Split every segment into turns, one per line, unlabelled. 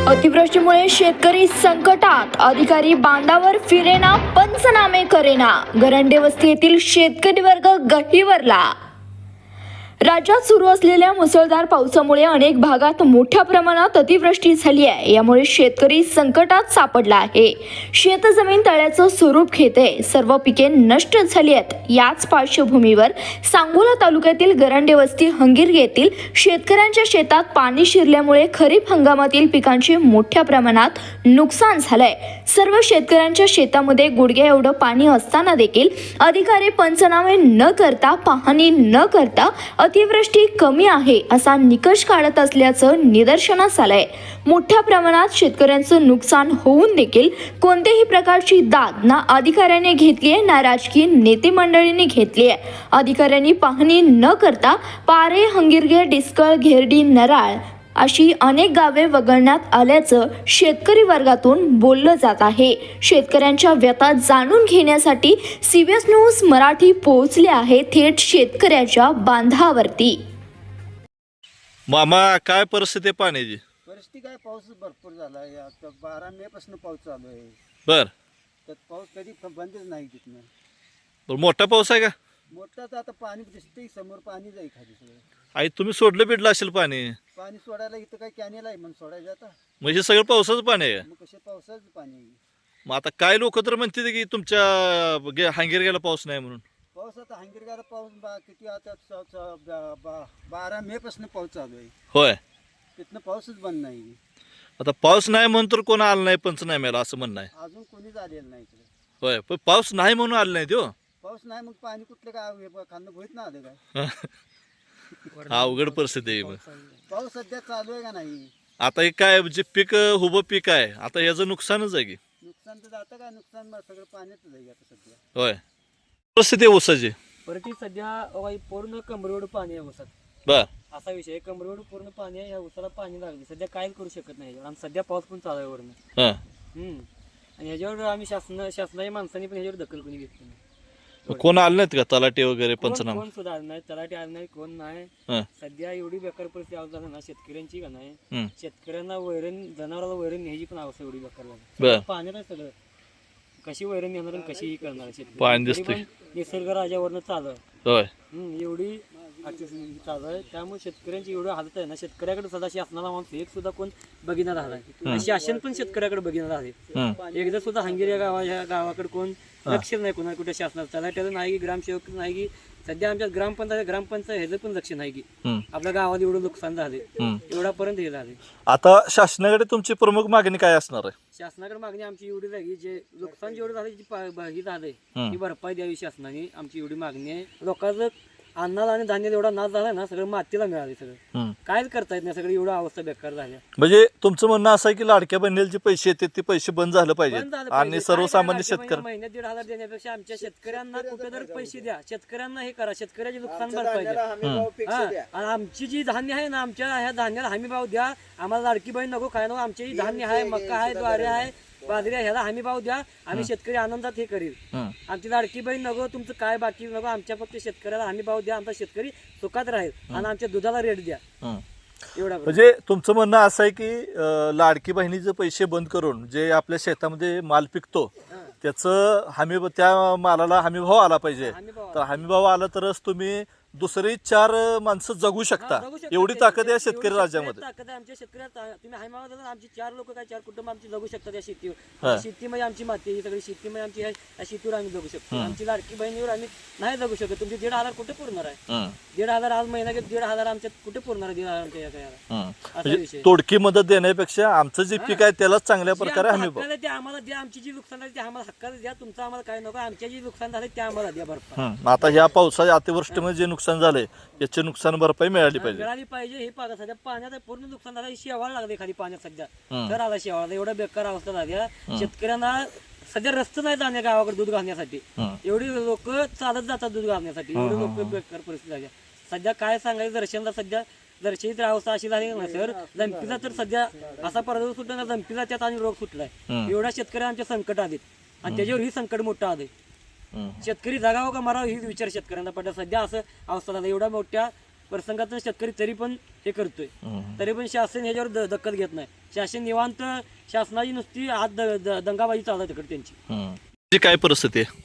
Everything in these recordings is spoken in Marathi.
अतिवृष्टीमुळे शेतकरी संकटात, अधिकारी बांधावर फिरेना, पंचनामे करेना, गरंडे वस्ती येथील शेतकरी वर्ग गहिवरला. राज्यात सुरू असलेल्या मुसळधार पावसामुळे अनेक भागात मोठ्या प्रमाणात अतिवृष्टी झाली आहे. यामुळे शेतकरी संकटात सापडला आहे. शेतजमीन तळ्याचं स्वरूप घेते, सर्व पिके नष्ट झाली आहेत. याच पार्श्वभूमीवर सांगोला तालुक्यातील गरंडे वस्ती हंगिर्गे येथील शेतकऱ्यांच्या शेतात पाणी शिरल्यामुळे खरीप हंगामातील पिकांचे मोठ्या प्रमाणात नुकसान झालंय. सर्व शेतकऱ्यांच्या शेतामध्ये गुडघ्या एवढं पाणी असताना देखील अधिकारी पंचनामे न करता, पाहणी न करता अतिवृष्टी कमी आहे असा निकष काढत असल्याचं निदर्शनास आलंय. मोठ्या प्रमाणात शेतकऱ्यांचं नुकसान होऊन देखील कोणत्याही प्रकारची दाद ना अधिकाऱ्याने घेतली आहे, ना राजकीय नेते मंडळींनी घेतली आहे. अधिकाऱ्यांनी पाहणी न करता पारे, हंगिर्गे, डिस्कळ, घेरडी, नराळ अशी अनेक गावे वगळण्यात आल्याचं शेतकरी वर्गातून बोललं जात आहे. शेतकऱ्यांच्या व्यथा जाणून घेण्यासाठी CBS न्यूज मराठी पोहोचले आहे थेट शेतकऱ्याच्या बांधावरती.
मामा, काय परिस्थिती आहे पाण्याची?
परिस्थिती काय, पाऊस भरपूर झाला आहे. आता 12 मे पासून पाऊस चालू आहे.
बर
तर पाऊस कधी बंदच नाही तिथनं.
बर मोठा पाऊस आहे का?
मोठा तर आता पाणी दिसते समोर, पाणी जाई खाली सगळं.
आई तुम्ही सोडलं बिडलं असेल पाणी?
पाणी सोडायला इथं काय कॅनेल आहे म्हणून सोडायचं आता.
म्हणजे सगळं पावसाचं पाणी आहे.
मग कसे पावसाचं पाणी आहे.
मग आता काय लोक तर म्हणते की तुमच्या हांगेरग्याला पाऊस नाही म्हणून.
पाऊस आता हंगिरगाला पाऊस किती आता 12 मे पासून पाऊस चालू आहे.
होय,
तिथनं पाऊसच बंद नाही.
आता पाऊस नाही म्हणून तर कोण आलं नाही पंचनाम्याला असं म्हणणं आहे.
अजून कोणीच आलेलं नाही इकडे.
होय, पण पाऊस नाही म्हणून आलं नाही तो.
पाऊस नाही मग पाणी कुठलं काय खांद भोईत ना आलं काय.
अवघड परिस्थिती आहे. मग
पाऊस सध्या चालू आहे का नाही.
आता हे काय जे पीक उभं पीक आहे, आता याचं नुकसानच आहे की.
नुकसान तर जातं काय, नुकसान सगळं पाण्यातच आहे आता सध्या.
होय, परिस्थिती आहे ऊसाची.
परिस्थिती सध्या पूर्ण कमरेवर पाणी आहे ऊसात.
बर,
असा विषय, कमरेवर पूर्ण पाणी आहे. या ऊसाला पाणी लागले, सध्या काहीच करू शकत नाही. आणि सध्या पाऊस पण चालू आहे वरनं.
हा,
आणि ह्याच्यावर आम्ही शासनाच्या माणसांनी पण ह्याच्यावर दखल कोणी घेतली नाही.
कोण आलं नाहीत का तलाठी वगैरे पंचनामा?
कोण सुद्धा आलं नाही, तलाठी आलं नाही, कोण नाही.
हा,
सध्या एवढी बेकार परिस्थिती अवस्था ना शेतकऱ्यांची का नाही.
हम्म.
शेतकऱ्यांना वैरण, जनावराला वैरण न्यायची पण अवस्था एवढी बेकार
बर.
झाली. पाण्यात आहे सगळं. कशी वैरण नेणार आणि कशी करणार शेतकरी.
पाणी दिसतंय.
तरी पण निसर्ग राजावरनं चालू आहे.
होय,
एवढी चालू आहे. त्यामुळे शेतकऱ्यांची एवढी हालत आहे ना, शेतकऱ्याकडे सुद्धा शासनाला माणूस एक सुद्धा कोण बघिणार आलाय. शासन पण शेतकऱ्याकडे बघिणार आहे. एकदा सुद्धा हंगेरी या गावाकडे कोण लक्ष नाही, कोणा कुठे शासनाचं तलाट्याचं नाही की ग्रामसेवक नाही की सध्या आमच्या ग्रामपंचायत ह्याचं पण लक्ष नाही की आपल्या गावात एवढं नुकसान झाले, एवढापर्यंत हे झाले.
आता शासनाकडे तुमची प्रमुख मागणी काय असणार आहे?
शासनाकडे मागणी आमची एवढी आहे की जे नुकसान जेवढं झालं, जी झालंय ती भरपाई द्यावी शासनाने, आमची एवढी मागणी आहे. लोकांचं अन्नाला आणि धान्य एवढा नाश झाला ना, सगळं मातीला मिळाले. सगळं कायच करता येत नाही. सगळी एवढं अवस्था बेकार झाल्या.
म्हणजे तुमचं म्हणणं असं आहे की लाडक्या बहिणीला जे पैसे येतात ते पैसे बंद झालं पाहिजे आणि सर्वसामान्य शेतकरी
महिन्यात 1,500 देण्यापेक्षा आमच्या शेतकऱ्यांना कुठे तर पैसे द्या, शेतकऱ्यांना हे करा, शेतकऱ्याचे नुकसान भरपाई द्या. आणि आमची जी धान्य आहे ना, आमच्या ह्या धान्याला हमी भाव द्या. आम्हाला लाडकी बहीण नको, काय नको. आमचे धान्य आहे, मका आहे, ज्वारी आहे, बाजरी, ह्याला हमी भाव द्या. आम्ही शेतकरी आनंदात हे करील. आमची लाडकी बहीण नको, तुमचं काय बाकी नको. आमच्या फक्त शेतकऱ्याला हमी भाव द्या, आमचा शेतकरी सुखात राहील आणि आमच्या दुधाला रेट द्या. एवढा
म्हणजे तुमचं म्हणणं असं आहे की लाडकी बहिणीचे पैसे बंद करून जे आपल्या शेतामध्ये माल पिकतो त्याचं त्या मालाला हमी भाव आला पाहिजे. तर हमी भाव आला तरच तुम्ही दुसरी 4 माणसं जगू शकता. एवढी ताकद आहे शेतकरी राज्यामध्ये.
ताकद आहे आमच्या शेतकऱ्यात. तुम्ही हमी भाव दिला, आमची 4 लोक काय 4 कुटुंब आमची जगू शकतात या शेतीवर. शेतीमध्ये आमची माती, ही सगळी शेतीमध्ये आमची या शेतीवर आम्ही जगू शकतो. आमची लाडकी बहिणीवर आम्ही नाही जगू शकत. तुमचे 1,500 कुठे पुरणार आहे? 1,500 आज महिना घेत, 1,500 आमच्यात कुठे पुरणार आहे? 1,500
तोडकी मदत देण्यापेक्षा आमचं जे पीक आहे त्यालाच चांगल्या प्रकारे हमी भाव
ते आम्हाला द्या. आमची जी नुकसान झाली ते आम्हाला हक्काला द्या. तुमचं आम्हाला काय नको. आमच्या जी नुकसान झाले ते आम्हाला द्या भरपाई.
आता ह्या पावसाच्या अतिवृष्टीमध्ये जे नुकसान झाले याचे नुकसान भरपाई मिळाली
पाहिजे. हे पाहता सध्या पाण्यात पूर्ण नुकसान झालं. शेवाळ लागले खाली पाण्यात. सध्या तर आला शेवाळा. एवढा बेकार अवस्था झाली. शेतकऱ्यांना सध्या रस्ते नाही जाण्या गावाकडे दूध घालण्यासाठी. एवढी लोक चालत जातात दूध घालण्यासाठी. एवढी लोक बेकार परिस्थिती झाली. सध्या काय सांगायचं, दर्शनला सध्या दर्शनी तर अवस्था अशी झाली ना सर. जंपीला तर सध्या असा पराजय सुटला ना, जंपीला त्यात आणि रोग सुटलाय. एवढ्या शेतकऱ्या आमच्या संकट आलेत आणि त्याच्यावर ही संकट मोठं आलंय. शेतकरी जगावं का मरावं ही विचार शेतकऱ्यांना पडला. सध्या असं अवस्था झाला. एवढ्या मोठ्या प्रसंगातून शेतकरी तरी पण हे करतोय, तरी पण शासन ह्याच्यावर दखल घेत नाही. शासन निवांत, शासनाची नुसती आत दंगाबाजी चालू आहे तिकडे त्यांची.
काय परिस्थिती आहे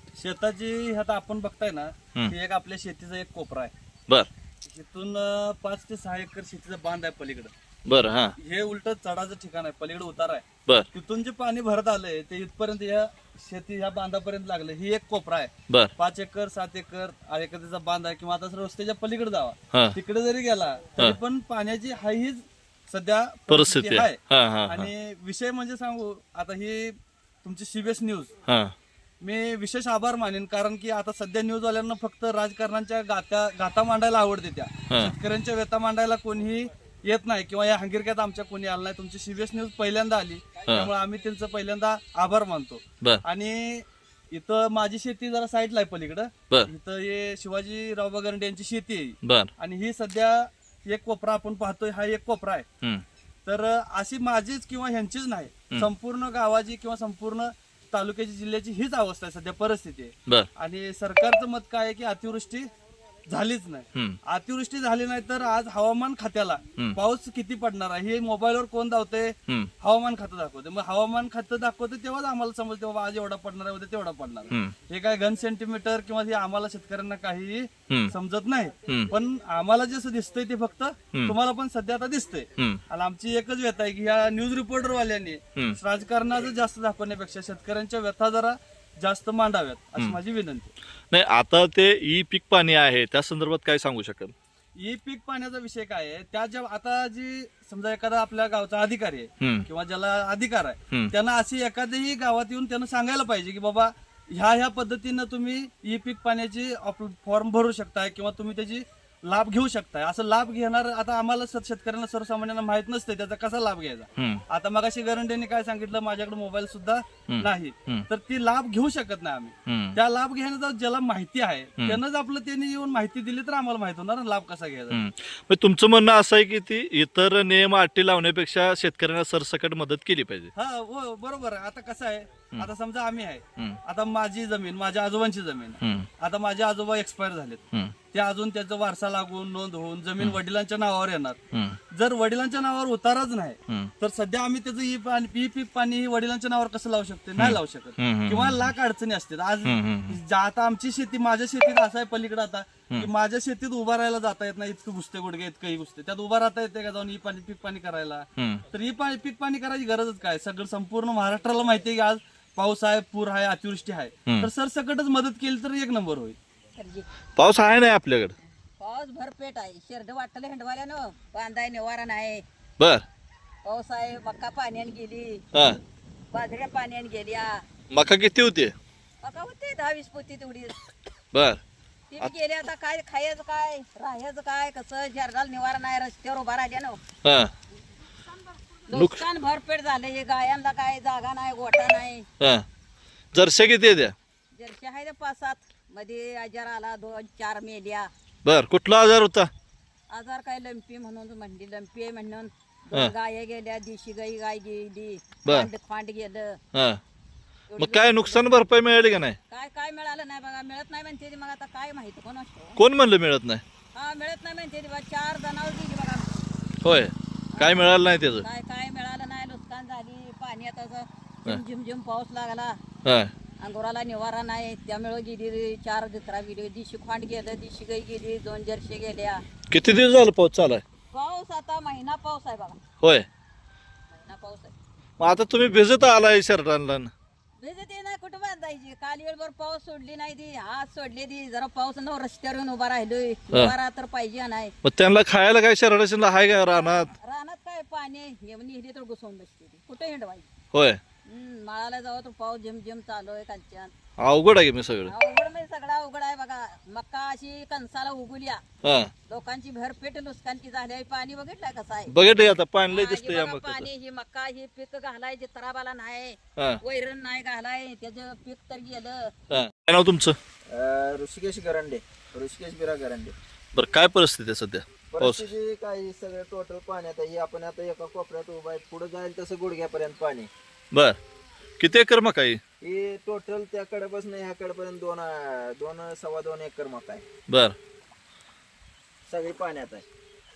शेताची आता आपण बघताय ना, हे एक आपल्या शेतीचा एक कोपरा आहे.
बर
इथून 5 ते 6 एकर शेतीचा बांध आहे पलीकडे.
बर हा
हे उलट चढाचं ठिकाण आहे, पलीकडे उतार आहे.
बर
तिथून जे पाणी भरत आलंय ते इथपर्यंत या शेती ह्या बांधापर्यंत लागलं. ही एक कोपरा आहे.
बर
5 एकर 7 एकर 8 एकरचा बांध आहे, किंवा आता रस्त्याच्या पलीकडे
हा.
जावा, तिकडे जरी गेला तरी पण पाण्याची हीच सध्या
परिस्थिती आहे. हा, हा, हा.
आणि विषय म्हणजे सांगू, आता ही तुमची CBS न्यूज,
हा
मी विशेष आभार मानेन, कारण की आता सध्या न्यूजवाल्यांना फक्त राजकारणाच्या गाथा मांडायला आवडते, त्या शेतकऱ्यांच्या व्यथा मांडायला कोणीही येत नाही, किंवा या हंगिरक्यात आमच्या कोणी आलं नाही. तुमची CBS न्यूज पहिल्यांदा आली, त्यामुळे आम्ही त्यांचं पहिल्यांदा आभार मानतो.
बर
आणि इथं माझी शेती जरा साईडला आहे पलीकडं.
बर
इथं हे शिवाजीराव गरंडे यांची शेती आहे,
बर
आणि ही सध्या एक कोपरा आपण पाहतोय, हा एक कोपरा आहे.
हम्म.
तर अशी माझीच किंवा ह्यांचीच नाही, संपूर्ण गावाची किंवा संपूर्ण तालुक्याची, जिल्ह्याची हीच अवस्था आहे सध्या, परिस्थिती आहे.
बर
आणि सरकारचं मत काय आहे की अतिवृष्टी झालीच नाही.
हम्म.
अतिवृष्टी झाली नाही तर आज हवामान खात्याला पाऊस किती पडणार आहे हे मोबाईलवर कोण दावते?
हम्म.
हवामान खातं दाखवते. मग हवामान खातं दाखवते तेव्हाच आम्हाला समजते बाबा आज एवढा पडणार आहे, उद्या तेवढा पडणार आहे.
हम्म.
हे काय घन सेंटीमीटर किंवा हे आम्हाला शेतकऱ्यांना काही
हम्म.
समजत नाही.
हम्म.
पण आम्हाला जसं दिसतंय ते फक्त तुम्हाला पण सध्या आता दिसतंय.
हम्म.
आणि आमची एकच व्यथा आहे की या न्यूज रिपोर्टरवाल्यांनी राजकारणाचं जास्त दाखवण्यापेक्षा शेतकऱ्यांच्या व्यथा जरा जास्त मांडाव्यात अशी माझी विनंती.
नाही आता ते ई पीक पाणी आहे त्या संदर्भात काय सांगू शकाल?
ही पीक पाण्याचा विषय काय आहे, त्या ज्या आता जी समजा एखादा आपल्या गावचा अधिकारी आहे
हम्म.
किंवा ज्याला अधिकार आहे,
हम्म.
त्यांना अशी एखाद्याही गावात येऊन त्यांना सांगायला पाहिजे की बाबा ह्या पद्धतीनं तुम्ही ई पीक पाण्याची फॉर्म भरू शकताय किंवा तुम्ही त्याची लाभ घेऊ शकताय. असं लाभ घेणार आता आम्हाला शेतकऱ्यांना सर्वसामान्यांना माहित नसते त्याचा कसा लाभ घ्यायचा.
हम्म.
आता मगाशी गरंडेने काय सांगितलं, माझ्याकडे मोबाईल सुद्धा नाही, तर ती लाभ घेऊ शकत नाही आम्ही.
हम्म.
त्या लाभ घेण्याचा ज्याला माहिती आहे त्यानंच आपलं त्यांनी येऊन माहिती दिली तर आम्हाला माहित होणार ना लाभ कसा घ्यायचा.
मग तुमचं म्हणणं असं आहे की ती इतर नियम अटी लावण्यापेक्षा शेतकऱ्यांना सरसकट मदत केली पाहिजे.
हा हो बरोबर आहे. आता कसं आहे, आता समजा आम्ही आहे,
हम्म.
आता माझी जमीन, माझ्या आजोबांची जमीन आहे.
हम्म.
आता माझे आजोबा एक्सपायर झालेत,
हम्म.
ते अजून त्याचा वारसा लागून नोंद होऊन जमीन वडिलांच्या नावावर येणार.
हम्म.
जर वडिलांच्या नावावर उताराच नाही
हम्म.
तर सध्या आम्ही त्याचं ई पीक पाणी ही वडिलांच्या नावावर कसं लावू शकतो? नाही लावू शकत.
हम्म.
किंवा लाख अडचणी असतात. आज
हम्म.
आता आमची शेती, माझ्या शेतीत असं आहे पलीकडे आता की माझ्या शेतीत उभा राहायला जाता येत नाही, इतकं घुसते गुडघे इतकंही घुसते, त्यात उभा राहता येते का जाऊन ई पाणी पीक पाणी करायला?
हम्म.
तर ही पीक पाणी करायची गरजच काय? सगळं संपूर्ण महाराष्ट्राला माहिती आहे की आज पाऊस आहे, पूर आहे, अतिवृष्टी आहे, तर सरसकटच मदत केली तर एक नंबर होईल.
पाऊस आहे नाही आपल्याकडे?
पाऊस भरपेट आहे. शेरड वाटलं हिंडवाल्यानं, बांधाय निवारा नाही.
बर
पाऊस आहे, मका पाण्याने गेली,
हा
बाजऱ्या पाण्याने गेल्या.
मका किती होते?
मका होते 10-20 पोती तेवढी.
बर
ती बी गेली. आता काय खायचं काय, राहायचं काय, कसं शेरडाला निवारा नाही, रस्त्यावर उभा राहिल्यानं
हा
नुकसान भरपेट झालं. हे गायांना काय जागा नाही, गोठा नाही.
हा जर्शा किती आहे त्या?
जर्शी आहे 5-7 मध्ये आजार आला, 2-4 मेल्या.
बर कुठला आजार होता?
आजार काय लंपी म्हणून म्हणली, लंपी आहे म्हणून 2 गाया गेल्या, देशी गाय गेली,
बर.
खांड गेलं.
हा मग काय नुकसान भरपाई मिळाली का नाही?
काय मिळालं नाही बघा. मिळत नाही म्हणते ती. मग आता काय माहिती कोण असतो.
कोण म्हणलं मिळत नाही?
हा मिळत नाही म्हणते ती बा. 4 जनावर गेली बघा.
होय काय मिळालं नाही त्याचं?
काय मिळालं नाही. नुकसान झाली. पाणी आता झिमझिम पाऊस लागला,
हा
अंगोराला निवारा नाही, त्यामुळे गेली. 4 जत्रा गेली. दिशी खांड गेलं, दिशी गाई गेली, 2 जर्शी गेल्या.
किती दिवस झालं पाऊस चालू आहे?
पाऊस आता महिना पाऊस आहे बघा.
होय
महिना पाऊस आहे.
मग आता तुम्ही भिजत आलाय शर्टांना?
भिजत नाही कुठं बांधायची. काल वेळभर पाऊस सोडली नाही ती, आज सोडली ती. जरा पाऊस न रस्त्यावर येऊन उभा राहिलोय. निवारा तर पाहिजे नाही.
मग त्यांना खायला काय शर्टाला आहे का रानात?
रानात काय पाणी निघली तर घुसवून बसते ती. कुठे हिंडवायची.
होय
माळाला जावं तर पाऊस झिमझिम चालू आहे कालच्यान.
अवघड आहे की मी सगळं?
अवघड म्हणजे सगळा अवघड आहे बघा. मक्का अशी कणसाला उगुल्या,
हा
लोकांची भरपेट नुकसानची झाली आहे. पाणी बघितलंय कसं आहे.
बघितलं आता पाणी लय
हा, हे
दिसतंय या
बघा
मकाचं.
पाणी, ही मक्का, ही पीक घालायचे तराबाला नाही,
हा
वैरण नाही घालाय, त्याचं पीक तर गेलं.
हा काय नाव तुमचं?
ऋषिकेश गरंडे, ऋषिकेश बिरा गरंडे.
बरं काय परिस्थिती आहे सध्या? पाऊस
परिस्थिती काय सगळं टोटल पाण्यात आहे. आपण आता एका कोपऱ्यात उभा आहे, पुढे जाईल तसं गुडघ्यापर्यंत पाणी.
बर किती एकर मका आहे?
ही टोटल त्या कडेपासून ह्या कडेपर्यंत 2-2.25 एकर मका आहे.
बर
सगळी पाण्यात आहे.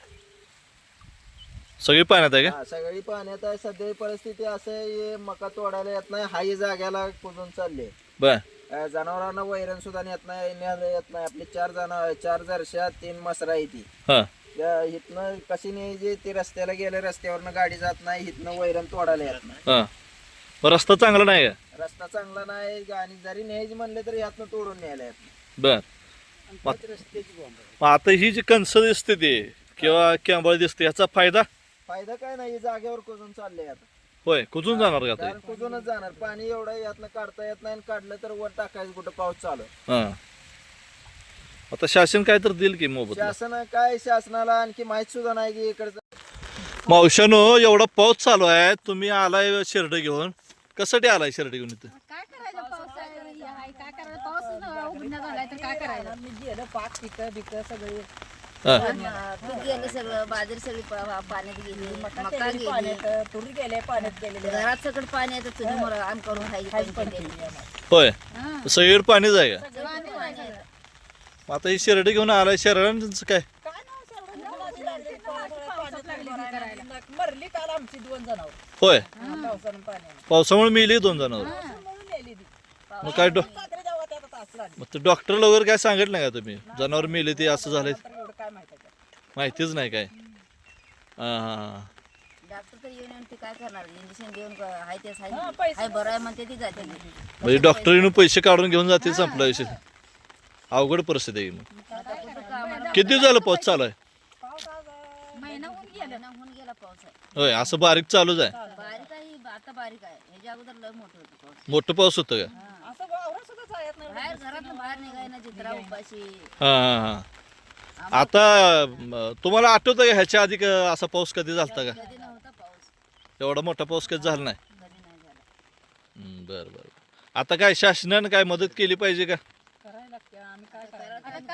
सगळी पाण्यात आहे का?
हा, सगळी पाण्यात आहे. सध्या परिस्थिती असं आहे, हे मका तोडायला येत नाही, हाही जाग्याला कुजून चालले.
बर
जनावरांना वैरण सुद्धा नेत नाही, न्यायला येत नाही. आपली 4 जरशा 3 मसरा आहे ती.
हा
इथनं कशी न्यायची, ती रस्त्याला गेले, रस्त्यावरनं गाडी जात नाही, इथनं वैरण तोडायला येत नाही.
हा मग रस्ता चांगला नाही का?
रस्ता चांगला नाही आणि जरी न्यायची म्हणले तरी यातनं तोडून न्यायला येत नाही.
बर मग आता ही जी कणस दिसते ती किंवा कॅम्बळ दिसते याचा फायदा
फायदा काय नाही, जागेवर कुजून चालले आता.
होय कुठून जाणार का आता?
कारण कुजूनच जाणार, पाणी एवढं यातनं काढता येत नाही, आणि काढलं तर वर टाकायचं कुठं, पाऊस चालू.
हा आता शासन काय तर देईल की मोबदला?
शासनाला आणखी माहित सुद्धा नाही की इकडचं.
मावशानो एवढा पाऊस चालू आहे, तुम्ही आलाय शर्ट घेऊन, कशासाठी आलाय शर्ट घेऊन इथं?
काय करायचं पाऊस आहे काय करायचं पाऊस उघडण्यात आलाय तर काय करायचं
मी गेलं पाक पिकं सगळी
हा.
पीक गेलं सगळं बाजरी सगळी पाण्यात गेली मका गेली
पाण्यात तुरी गेले, पाण्यात गेलेले.
घरात सगळं पाणी येतं चुलीमुळे आम करून
होय सगळीकडे पाणीच आहे का? मग आता ही शर्ट घेऊन आलाय, शहरांचं काय?
मरली काल आमची 2 जनावर
होय
पावसानं पाण्याने.
पावसामुळे मेली 2 जणांवर. मग काय
रात्री जेव्हा त्यात आता असं झालं.
मग ते डॉक्टरला वगैरे काय सांगितलं नाही का तुम्ही? जनावर मेले ते असं झालंय,
तर एवढं काय माहिती आहे का?
माहितीच नाही काय? हा हा
डॉक्टर तर येऊन ते काय करणार इंजेक्शन देऊन हाय तेच
पैसे
हाय बरं आहे म्हणते ती जाते
म्हणजे डॉक्टर येऊन पैसे काढून घेऊन जाते, संपला विषय. अवघड परिस्थिती आहे मग. किती दिवस झालं पाऊस चालू आहे?
महिना होऊन गेला पाऊस आहे
होय असं बारीक चालूच आहे?
बारीक आहे आता बारीक आहे ह्याच्या अगोदर लय मोठं होतं पाऊस
मोठं पाऊस होतं का?
असं वावरं सुद्धा जायत नाही.
बाहेर घरातून बाहेर निघाय ना चित्रा उपाशी
हा हा हा आता तुम्हाला आठवतं का ह्याच्या आधी असा पाऊस कधी झालता का?
कधी नव्हता पाऊस
एवढा मोठा पाऊस कधी झाला नाही?
कधी नाही झाला
बरं बरं. आता काय शासनानं काय मदत केली पाहिजे का?
करायला लागते, आम्ही काय करायचं?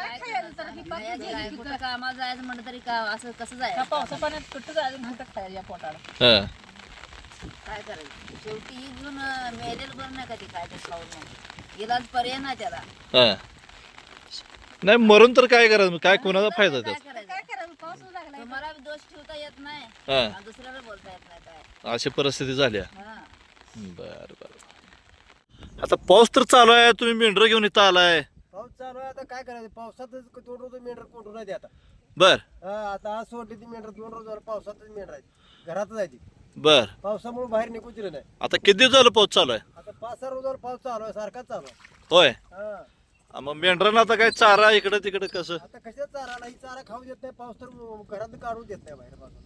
कुठं कामाला जायचं म्हणलं तरी का असं कसं जायचं
पावसा पाण्यात कुठं जायचं म्हणतात खायला या पोटाला.
हा
काय करायचं शेवटी ही घेऊन मेलेलं बरं नाही कधी काय ते खाऊन मग इलाज पर्याय नाही त्याला
हा नाही मरून तर काय करायचं? काय कोणाचा फायदा
काय
त्याचा?
करायचं तुम्हाला बी दोष ठेवता येत नाही
हा
आणि दुसऱ्याला बोलता येत नाही काय
अशी परिस्थिती झाली आहे.
हा
बर बर. आता पाऊस तर चालू आहे, तुम्ही मेंढर घेऊन इथं आलाय.
पाऊस चालू आहे, आता काय करायचं, पावसातच तोडून मेंढर कोंडून आहे आता.
बर
आता आज सोडली ती मेंढर 2 रोज झालं, पावसातच मेंढर आहे, घरातच आहे ती.
बर.
पावसामुळे बाहेर निघूच दिलं नाही.
आता किती दिवस झालं पाऊस चालू आहे?
आता 5-6 रोज झालं पाऊस चालू आहे, सारखाच चालू आहे.
होय
हा.
मग मेंढरांना आता काय चारा इकडे तिकडे कसं?
आता कशा चारा ही चारा खाऊ देत नाही, पाऊस तर घरात काढून देत नाही बाहेर पासून.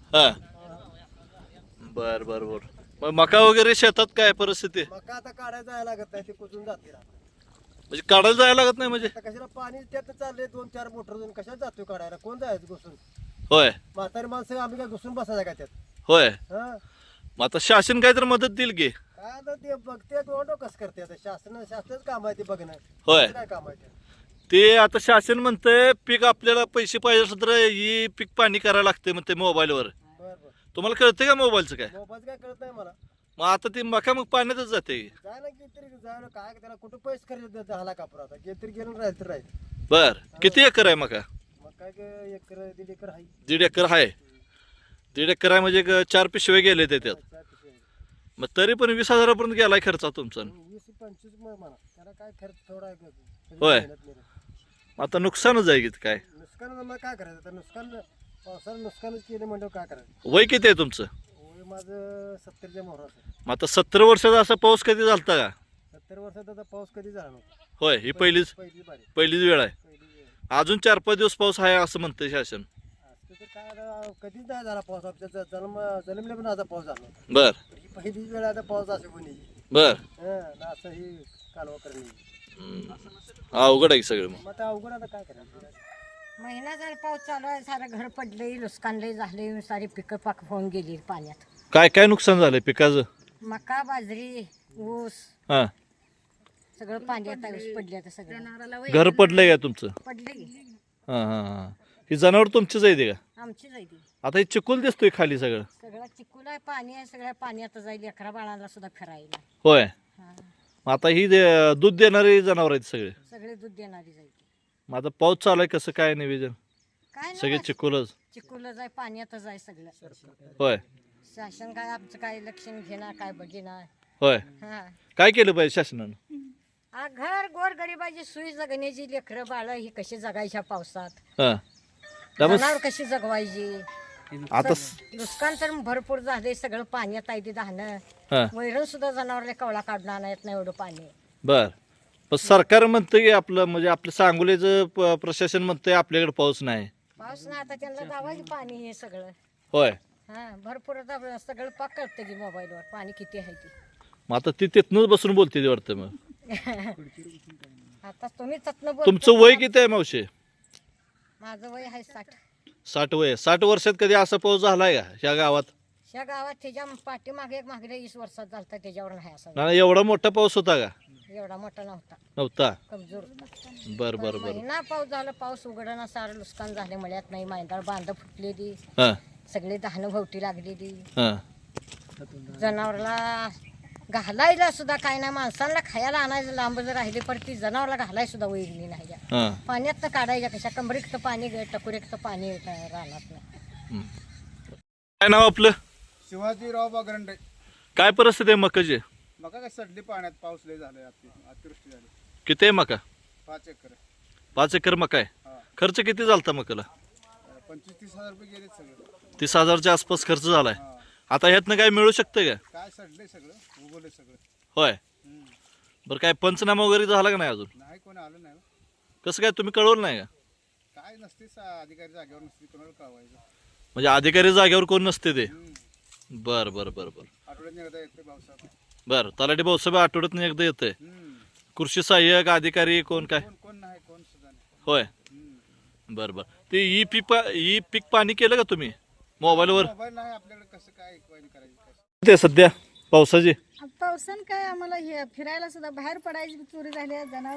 हा बर बर बर. मग मका वगैरे शेतात काय परिस्थिती आहे?
मका आता काढायला जायला लागत नाही, ते कुजून जाते आता.
म्हणजे काढायला जायला लागत नाही म्हणजे?
कशाला पाणी त्यात चालले 2-4 मोटर जाऊन कशाला जातोय काढायला, कोण जायचं घुसून?
होय
म्हातारी माणसं आम्ही काय घुसून बसायचं का त्यात?
होय.
हा
मग आता शासन काय तर मदत देईल की?
काय आता ते बघते कसं करते आता, शासनाचं काम आहे ते बघणं.
होय.
काय काम आहे ते?
ते आता शासन म्हणतंय पीक आपल्याला पैसे पाहिजे असलं तर ही पीक पाणी करायला लागते म्हणते मोबाईलवर.
बरं बरं.
तुम्हाला कळतंय का मोबाईलचं काय?
मोबाईल काय कळत नाही मला.
मग आता ती मका मग पाण्यातच जाते.
जाय ना तरी जायला काय त्याला कुठं पैसे खर्च झाला कापूर आता तरी गेलं राहील तर राहील.
बर किती एकर आहे मका?
मग काय 1-1.5 एकर आहे.
1.5 एकर आहे. 1.5 एकर आहे म्हणजे 4 पिशवे गेले त्याच्यात.
4 पिशव्या.
मग तरी पण 20,000 गेलाय खर्च तुमचा.
20-25 म्हणा, त्याला काय खर्च थोडा आहे.
होय.
मेहनत नाही.
आता नुकसानच आहे की काय?
नुकसान मग काय करायचं आता, नुकसान पावसानं नुकसानच केलं म्हणजे काय करायचं.
वय किती आहे तुमचं?
वय माझं 70च्या मोहराचं.
मग आता 70 वर्षाचा असा पाऊस कधी झालता का?
70 वर्षात आता पाऊस कधी झाला नव्हता.
होय ही पहिलीच
पहिली बारी
पहिलीच वेळ आहे.
पहिली वेळ.
अजून 4-5 दिवस पाऊस आहे असं म्हणतंय शासन.
असं तर काय आता कधीच नाही झाला पाऊस, आमच्या जन्मले पण आता पाऊस झाला नव्हता.
बर
ही पहिलीच वेळ आता पाऊस असं कोणी
बर.
असं ही कालवा करणे.
अवघड आहे सगळं मग.
मग आता अवघड आता काय करायचं.
महिना झाला पाऊस चालू आहे, सारं घर पडलंय, नुकसान लय झाले, सारी पिकं पाक होऊन गेली पाण्यात.
काय काय नुकसान झालंय पिकाचं?
मका, बाजरी, ऊस
हा
सगळं पाण्यात आहे, ऊस पडले आता सगळं
घर पडलंय का तुमचं?
पडले की
हा हा हा ही जनावर तुमचीच आहे ते का?
आमची जायची
आता हे चिखल दिसतोय खाली सगळं.
सगळं चिकूल आहे, पाणी आहे, सगळ्या पाण्यात जाईल, 11 बाळाला सुद्धा फिरायला.
होय.
हा
मग आता ही दूध देणारे जनावर आहेत सगळे.
सगळे दूध देणारी जायची.
मग आता पाऊस चालू आहे कसं काय नियोजन?
काय
सगळे
नाही
चिकोलच
चिकोलच आहे, पाण्यातच आहे सगळं.
होय
शासन काय आमचं काय लक्षण घेणार काय बघिना.
होय
हा
काय केलं पाहिजे शासनानं?
घर गोर गरिबाची सुई जगण्याची लेकरं बाळ ही कशी जगायच्या पावसात,
हा त्यामुळे
जनावर कशी जगवायची.
आता
नुकसान तर भरपूर झाले, सगळं पाण्यात आहे ते धानं.
हा
वैरण सुद्धा जनावरला कवळा काढून आणत नाही एवढं पाणी.
बर पण सरकार म्हणतं की आपलं म्हणजे आपलं सांगोलीचं प्रशासन म्हणतंय आपल्याकडे पाऊस नाही.
पाऊस नाही, आता त्यांना दावायचं पाणी हे सगळं.
होय
हा भरपूर आता सगळं पाक कळतं की मोबाईलवर पाणी किती आहे ते.
मग आता ती तिथनंच बसून बोलते ते वाटतं. मग
आता तुम्ही तत्न बोल.
तुमचं वय किती आहे मावशी?
माझं वय आहे 60.
60 वय. 60 वर्षात कधी असा पाऊस झालाय का ह्या गावात?
ह्या गावात त्याच्या पाठीमागे मागल्या 20 वर्षात झालता, त्याच्यावर नाही असा.
नाही एवढा मोठा पाऊस होता का?
एवढा मोठा नव्हता,
नव्हता.
कमजोर होता.
बर बर बर.
महिना पाऊस झाला, पाऊस उघडना, सारं नुकसान झाले, मळ्यात नाही, मैदान बांध फुटलेली,
हा
सगळी धानं भोवती लागलेली.
हा
जनावरला घालायला सुद्धा काय नाही, माणसांना खायला आणायचं लांब जर राहिले पण ती जनावरला घालायला सुद्धा वैगली नाही.
हा
पाण्यात काढायच्या कशा, कमरेक्त पाणी टकुरेक्त पाणी राहणार नाही.
हम्म. काय नाव आपलं?
शिवाजीराव बागरंडे.
काय परिस्थिती आहे मकाची?
मका काय सडली पाण्यात, पाऊस लय झालाय, अतिवृष्टी झाली.
किती आहे मका?
5 एकर.
5 एकर मका आहे.
हा.
खर्च किती झालता मकाला?
25-30 हजार रुपये गेले सगळं.
30,000च्या आसपास खर्च झालाय.
हा.
आता ह्यातनं काय मिळू शकतं का?
काय सडले सगळं, उगवले सगळं.
होय
हम्म.
बरं काय पंचनामा वगैरे झाला का नाही अजून?
नाही कोणी आलं नाही.
कसं काय तुम्ही कळवलं नाही का?
काय नसते अधिकारी जागेवर नसते, कोणाला कळवायचं.
म्हणजे अधिकारी जागेवर कोण नसते ते? बर बर बर बर
आठवड्यात एकदा येते पावसात.
बर तलाठी भाऊसाहेब आठवड्यातून एकदा येतंय. कृषी सहाय्यक अधिकारी कोण काय?
कोण नाही, कोण सुद्धा नाही.
होय बर बर. ते ई पीक पाणी केलं का तुम्ही मोबाईलवर?
मोबाईल नाही आपल्याकडे, कसं काय करायचं?
ते सध्या पावसाची
पावसान काय आम्हाला हे फिरायला सुद्धा बाहेर पडायची चोरी झाली.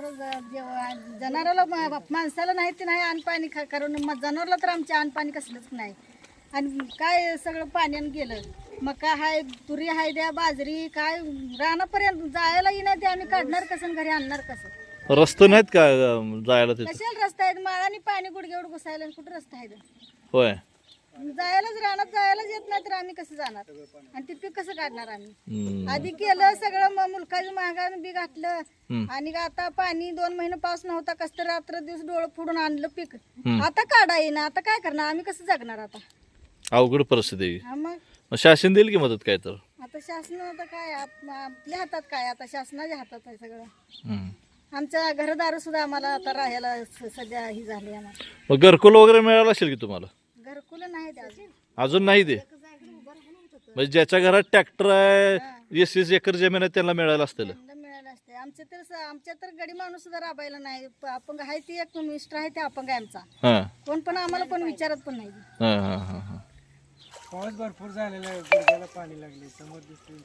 जनावराला माणसाला नाही ते नाही अन्न पाणी कारण जनावरला तर आमच्या अन्न पाणी कसलंच नाही. आणि काय सगळं पाण्यानं गेलं. मका हाय, तुरी हाय, द्या बाजरी, काय रानापर्यंत जायला येणार ते आम्ही काढणार कसं आणि घरी आणणार कसं?
रस्ते नाहीत का जायला तिथे?
कशाला रस्ता आहेत, माळाने पाणी गुडघेवर घुसायला कुठं रस्ता आहे?
होय
जायलाच रानात जायलाच येत नाही तर आम्ही कसं जाणार आणि ते पीक कसं काढणार आम्ही?
हम्म.
आधी केलं सगळं, मुलकाचं महागानं बी घातलं आणि आता पाणी 2 महिने पाऊस नव्हता, कसं तर रात्र दिवस डोळं फोडून आणलं पीक. आता काढा येईना, आता काय करणार आम्ही, कसं जगणार आता?
अवघड परिस्थिती आहे.
हा मग
मग शासन देईल की मदत काय तर?
आता शासन आता काय आपल्या हातात काय, आता शासनाच्या हातात आहे सगळं.
हम्म.
आमच्या घरदार सुद्धा आम्हाला आता राहायला सध्या ही झाली आम्हाला.
मग घरकुल वगैरे मिळालं असेल की तुम्हाला?
घरकुल नाही ते अजून.
अजून नाही ते? म्हणजे ज्याच्या घरात ट्रॅक्टर आहे, 20-20 एकर जमीन आहे त्यांना मिळालं असतील.
त्यांना मिळालं असते. आमच्या तर गडी माणूस सुद्धा राबायला नाही. अपंग आहे ती एक मिस्टर आहे, ते अपंग आहे आमचा.
हा
कोण पण आम्हाला कोण विचारत पण नाही.
हा हा हा हा.
पाऊस भरपूर झालेला आहे, गुडघ्याला पाणी लागले, समोर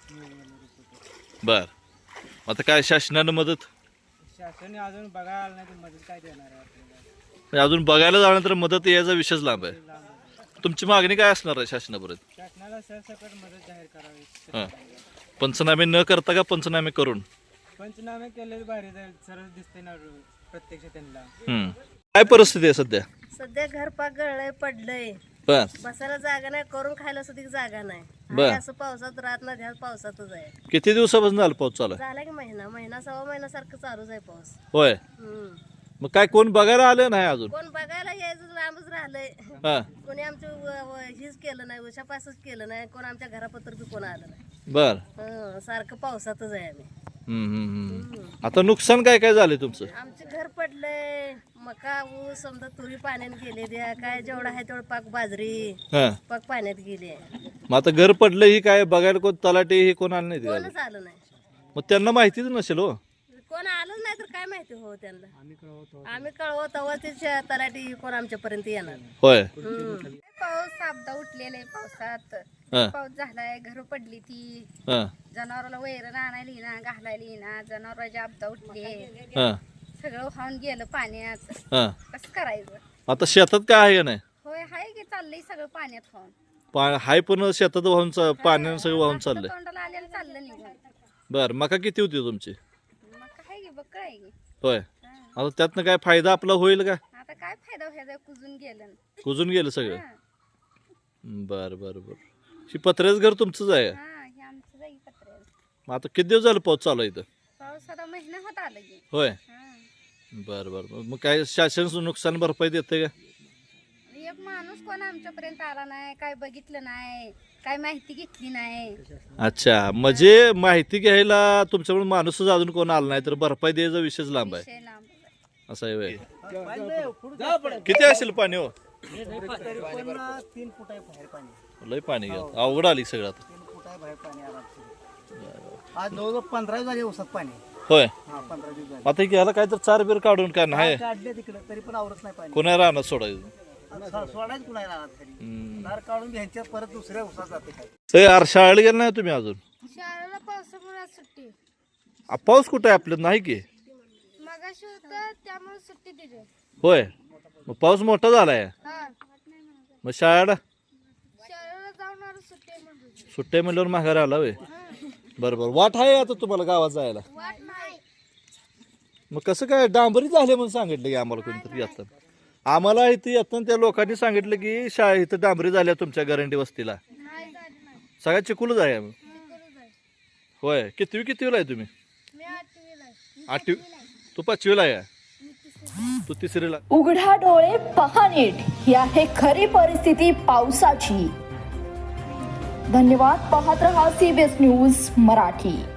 बर आता काय शासनानं मदत?
शासनाने अजून बघायला नाही, मदत काय देणार आहे आपल्याला?
म्हणजे अजून बघायला जाणार तर मदत यायचा विषयच लांब आहे. तुमची मागणी काय असणार आहे शासनापर्यंत?
शासनाला सरसकट मदत जाहीर करावी.
हा पंचनामे न करता का पंचनामे करून?
पंचनामे केले भारी जाईल, सरळ दिसते ना प्रत्यक्ष त्यांना.
काय परिस्थिती आहे सध्या?
सध्या घर पाक गळलंय, पडलंय,
बर
बसायला जागा नाही, करून खायला सुद्धा जागा नाही.
बर.
असं पावसात राहत नाही, ह्या पावसातच आहे.
किती दिवसापासून झालं पाऊस चालू आहे?
झाला की महिना 1.25 महिन्यासारखं चालूच आहे पाऊस.
होय मग काय कोण बघायला आलं नाही अजून?
कोण बघायला यायचं लांबच राहिलंय.
हा
कोणी आमचं हीच केलं नाही, उशापासच केलं नाही, कोण आमच्या घरापत्र बी कोण आलं नाही.
बर
सारखं पावसातच आहे आम्ही.
आता नुकसान काय काय झालं तुमचं?
आमचे घर पडलंय, मका ऊस समजा तुरी पाण्यात गेले, द्या काय जेवढा आहे तेवढं पाक बाजरी
हा
पाक पाण्यात गेले.
मग आता घर पडलं ही काय बघायला कोण तलाठी ही कोण आलं नाही तिला?
कोणच आलं नाही.
मग त्यांना माहितीच नसेल हो.
कोण आलंच नाही तर काय माहिती हो त्यांना. आम्ही कळवतो तेव्हा ते तलाठी कोण आमच्यापर्यंत येणार.
होय
पाऊस आपदा उठलेले पावसात,
हा
पाऊस झालाय, घर पडली ती,
हा
जनावराला वैरण आणायला येईना, घालायला येईना, जनावरांची आपदा उठली,
हा
सगळं वाहून गेलं पाण्यात.
हा
कसं करायचं?
आता शेतात काय आहे का नाही?
होय हाय की, चाललंय सगळं पाण्यात वाहून.
हाय पण शेतात वाहून पाण्यानं सगळं वाहून चाललंय.
तोंडाला आलेलं चाललं निघून.
बर मका किती होती तुमची?
मग काय की बघ काय की
होय आता त्यातनं काय फायदा आपला होईल का?
आता काय फायदा व्हायचा कुजून गेलं
कुजून गेलं सगळं. बर बर बर. ही पत्र्याचं घर तुमचंच आहे.
हे आमचं जाई पत्र
मग आता किती दिवस झालं पाऊस चालू आहे इथं?
पाऊस आता महिना होत आला की
होय. बर बर. मग काय शासन नुकसान भरपाई देते का?
एक माणूस कोण आमच्यापर्यंत आला नाही, काय बघितलं नाही, काय माहिती घेतली नाही.
अच्छा, म्हणजे माहिती घ्यायला तुमच्याकडून माणूसच अजून कोण आला नाही तर भरपाई द्यायचा विषयच लांब आहे.
विषय लांब आहे.
असं आहे व्हय. किती असेल पाणी हो?
3 फूट आहे बाहेर पाणी,
लय पाणी घ्या, अवघड आली सगळं आता.
3 फूट आहे बाहेर पाणी आरामशीर. आज जवळजवळ 15 झाले उसात पाणी.
होय.
15 दिवस झाले.
आता घ्यायला काय तर 4 बीर काढून काय नाही
काढले तिकडे तरी पण आवरत नाही पाणी.
कोणा राहणार सोडायचं.
सोडायच कुणाला राहत तरी दार काढून ह्यांच्या परत दुसऱ्या उसात जाते काय.
यार शाळेला गेला नाही तुम्ही अजून?
शाळेला पावसामुळे सुट्टी,
पाऊस कुठं आहे आपल्यात? नाही की
मगाशी होतं त्यामुळे सुट्टी दिली.
होय. मग पाऊस मोठा झालाय मग शाळेला
शाळेला जाऊन सुट्टी म्हणून
सुट्ट्या म्हणल्यावर माघारी आला होय. बरोबर. वाट आहे आता तुम्हाला गावात जायला?
वाट नाही.
मग कसं काय डांबरी झाले म्हणून सांगितलं की आम्हाला कोणतरी येतात? आम्हाला इथे येताना त्या लोकांनी सांगितलं की शाळा इथं डांबरी झाल्या तुमच्या गरंडी वस्तीला.
नाही झाली नाही.
सगळ्यात चिकूलच आहे आम्ही.
करू जाय.
होय. कितवीला आहे तुम्ही?
मी 8वीला आहे.
8वी. तू 5वीला आहे? तू 3रीला.
उघडा डोळे पहा नीट, ही आहे खरी परिस्थिती पावसाची. धन्यवाद. पाहत रहा CBS न्यूज मराठी.